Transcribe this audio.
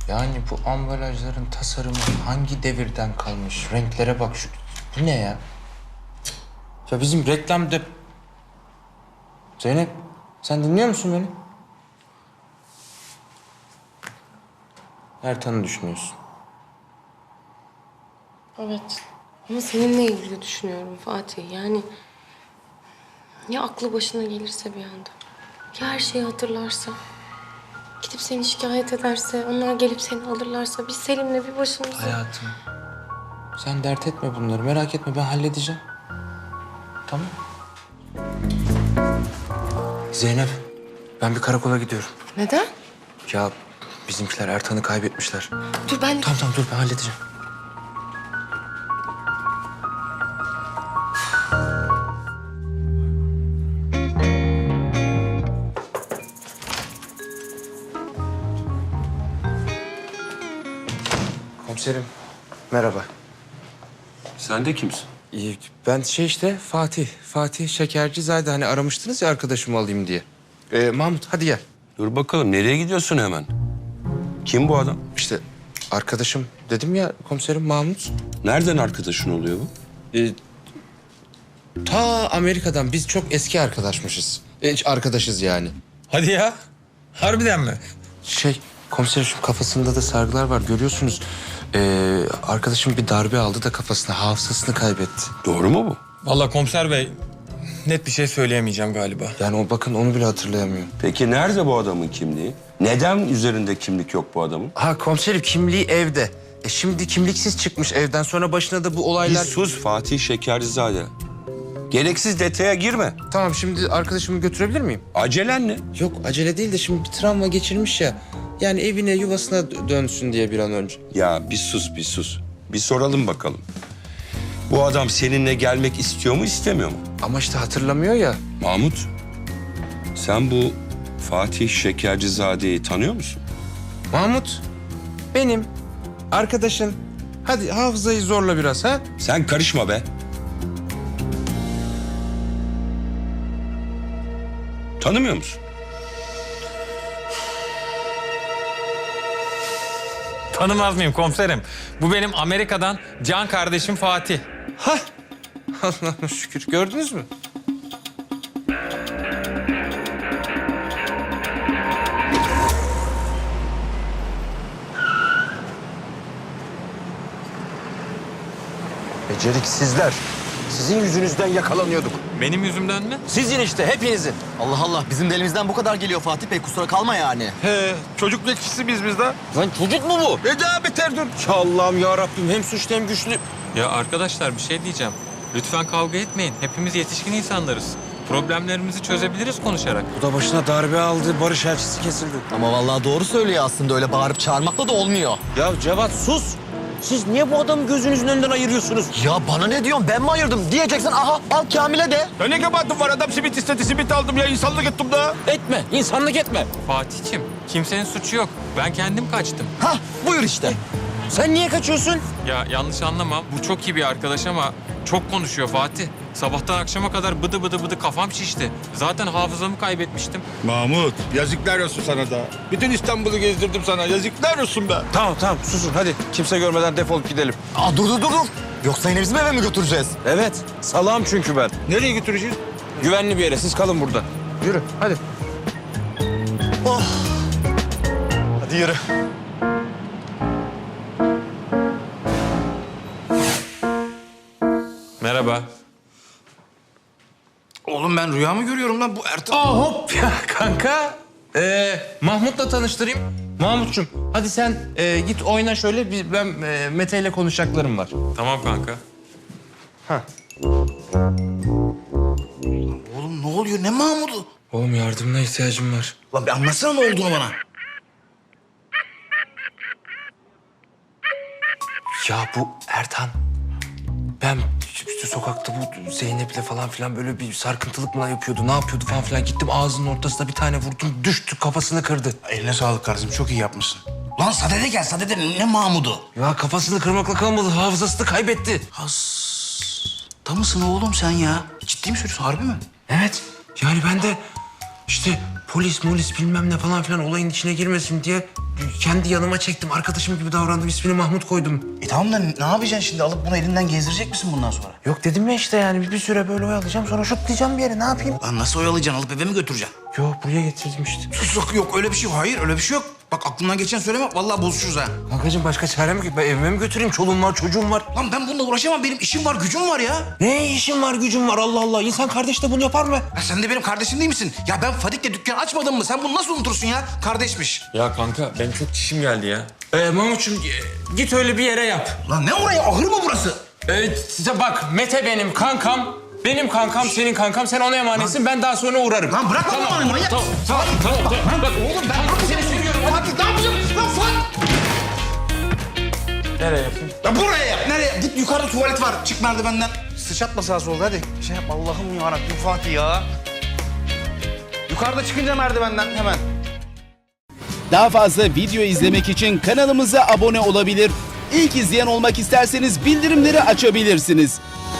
Yani bu ambalajların tasarımı hangi devirden kalmış? Renklere bak şu. Bu ne ya? Ya bizim reklamda... Zeynep, sen dinliyor musun beni? Ertan'ı düşünüyorsun. Evet. Ama seninle ilgili düşünüyorum Fatih. Yani ya aklı başına gelirse bir anda. Ya her şeyi hatırlarsa. Gidip seni şikayet ederse, onlar gelip seni alırlarsa biz Selim'le bir başımıza... Hayatım, sen dert etme bunları. Merak etme, ben halledeceğim. Tamam. Zeynep, ben bir karakola gidiyorum. Neden? Ya bizimkiler Ertan'ı kaybetmişler. Dur ben... Tamam dur, ben halledeceğim. Komiserim, merhaba. Sen de kimsin? Ben işte Fatih Şekercizade, hani aramıştınız ya arkadaşımı alayım diye. Mahmut hadi gel. Dur bakalım, nereye gidiyorsun hemen? Kim bu adam? İşte arkadaşım dedim ya komiserim, Mahmut. Nereden arkadaşın oluyor bu? Ta Amerika'dan, biz çok eski arkadaşız yani. Hadi ya. Harbiden mi? Komiserim, şu kafasında da sargılar var, görüyorsunuz. Arkadaşım bir darbe aldı da kafasına, hafızasını kaybetti. Doğru mu bu? Vallahi komiser bey net bir şey söyleyemeyeceğim galiba. Yani bakın onu bile hatırlayamıyor. Peki nerede bu adamın kimliği? Neden üzerinde kimlik yok bu adamın? Ha komiserim, kimliği evde. Şimdi kimliksiz çıkmış evden, sonra başına da bu Bir olaylar... sus Fatih Şekercizade. Gereksiz detaya girme. Tamam, şimdi arkadaşımı götürebilir miyim? Acelen ne? Yok acele değil de şimdi bir travma geçirmiş ya. Yani evine, yuvasına dönsün diye bir an önce. Ya bir sus. Bir soralım bakalım. Bu adam seninle gelmek istiyor mu, istemiyor mu? Ama işte hatırlamıyor ya. Mahmut, sen bu Fatih Şekercizade'yi tanıyor musun? Mahmut, benim arkadaşın. Hadi hafızayı zorla biraz ha. Sen karışma be. Tanımıyor musun? Tanımaz mıyım komiserim? Bu benim Amerika'dan can kardeşim Fatih. Allah'ım şükür, gördünüz mü? Beceriksizler. Sizin yüzünüzden yakalanıyorduk. Benim yüzümden mi? Sizin işte, hepinizin. Allah Allah, bizim de elimizden bu kadar geliyor Fatih Bey, kusura kalma yani. He, çocuk bekçisi biz de. Lan çocuk mu bu? Ne daha beter dur. Ya Allah'ım ya Rabbim, hem suçlu hem güçlü. Ya arkadaşlar bir şey diyeceğim. Lütfen kavga etmeyin. Hepimiz yetişkin insanlarız. Problemlerimizi çözebiliriz konuşarak. Bu da başına darbe aldı, barış elçisi kesildi. Ama vallahi doğru söylüyor aslında, öyle bağırıp çağırmakla da olmuyor. Ya Cevat sus. Siz niye bu adamı gözünüzün önünden ayırıyorsunuz? Ya bana ne diyorsun, ben mi ayırdım diyeceksin, aha al Kamil'e de. Ya ne kabahatim var, adam simit istedi, simit aldım ya, insanlık ettim da. Etme, insanlık etme. Fatih'ciğim kimsenin suçu yok. Ben kendim kaçtım. Hah, buyur işte. Sen niye kaçıyorsun? Ya yanlış anlama. Bu çok iyi bir arkadaş ama çok konuşuyor Fatih. Sabahtan akşama kadar bıdı kafam şişti. Zaten hafızamı kaybetmiştim. Mahmut, yazıklar olsun sana da. Bütün İstanbul'u gezdirdim sana, yazıklar olsun be. Tamam, susun hadi. Kimse görmeden defolup gidelim. Aa, dur. Yoksa yine bizim eve mi götüreceğiz? Evet, salağım çünkü ben. Nereye götüreceğiz? Güvenli bir yere, siz kalın burada. Yürü hadi. Hadi yürü. Merhaba. Oğlum ben rüya mı görüyorum lan? Bu Ertan... Hop ya kanka. Mahmut'la tanıştırayım. Mahmut'cum hadi sen git oyna şöyle. Ben Mete ile konuşacaklarım var. Tamam kanka. Oğlum ne oluyor? Ne Mahmut'u? Oğlum yardımına ihtiyacım var. Lan bir anlatsana ne olduğunu bana. Ya bu Ertan. Ben işte sokakta bu Zeynep'le falan filan böyle bir sarkıntılık mı yapıyordu, ne yapıyordu falan filan. Gittim ağzının ortasına bir tane vurdum, düştü, kafasını kırdı. Eline sağlık kardeşim, çok iyi yapmışsın. Lan Sadede gel, Sadede ne Mahmut'u? Ya kafasını kırmakla kalmadı, hafızasını kaybetti. Da mısın oğlum sen ya? Ciddi mi söylüyorsun, harbi mi? Evet. Yani ben de işte polis bilmem ne falan filan olayın içine girmesin diye kendi yanıma çektim. Arkadaşım gibi davrandım. İsmini Mahmut koydum. Tamam da ne yapacaksın şimdi? Alıp bunu elinden gezdirecek misin bundan sonra? Yok dedim ya işte yani bir süre böyle oyalayacağım sonra şutlayacağım bir yere ne yapayım? Lan nasıl oyalayacaksın? Alıp eve mi götüreceksin? Yok buraya getirdim işte. Sus yok öyle bir şey yok. Hayır öyle bir şey yok. Bak aklından geçen söyleme. Vallahi bozuşuruz ha. Kankacığım başka çarem yok. Ben evime mi götüreyim? Çoluğum var, çocuğum var. Lan ben bununla uğraşamam. Benim işim var, gücüm var ya. Ne işim var, gücüm var Allah Allah. İnsan kardeş de bunu yapar mı? Ya sen de benim kardeşim değil misin? Ya ben Fadik'le dükkan açmadım mı? Sen bunu nasıl unutursun ya? Kardeşmiş. Ya kanka benim çok çişim geldi ya. Mahmut'cum git öyle bir yere yap. Lan ne oraya? Ahır mı burası? Size bak Mete benim kankam. Benim kankam, senin kankam. Sen ona emanetsin. Ben daha sonra uğrarım. Lan bırak lan bana manyak. Tamam. Bak oğlum ben seni seviyorum. Hadi ne yapacağım? Lan Fadik. Nereye yapayım? Ya buraya yap. Nereye? Git yukarıda tuvalet var. Çık merdivenden. Sıçratma sağa solda hadi. Şey yap Allah'ım yarabbim Fatih ya. Yukarıda çıkınca merdivenden hemen. Daha fazla video izlemek için kanalımıza abone olabilir. İlk izleyen olmak isterseniz bildirimleri açabilirsiniz.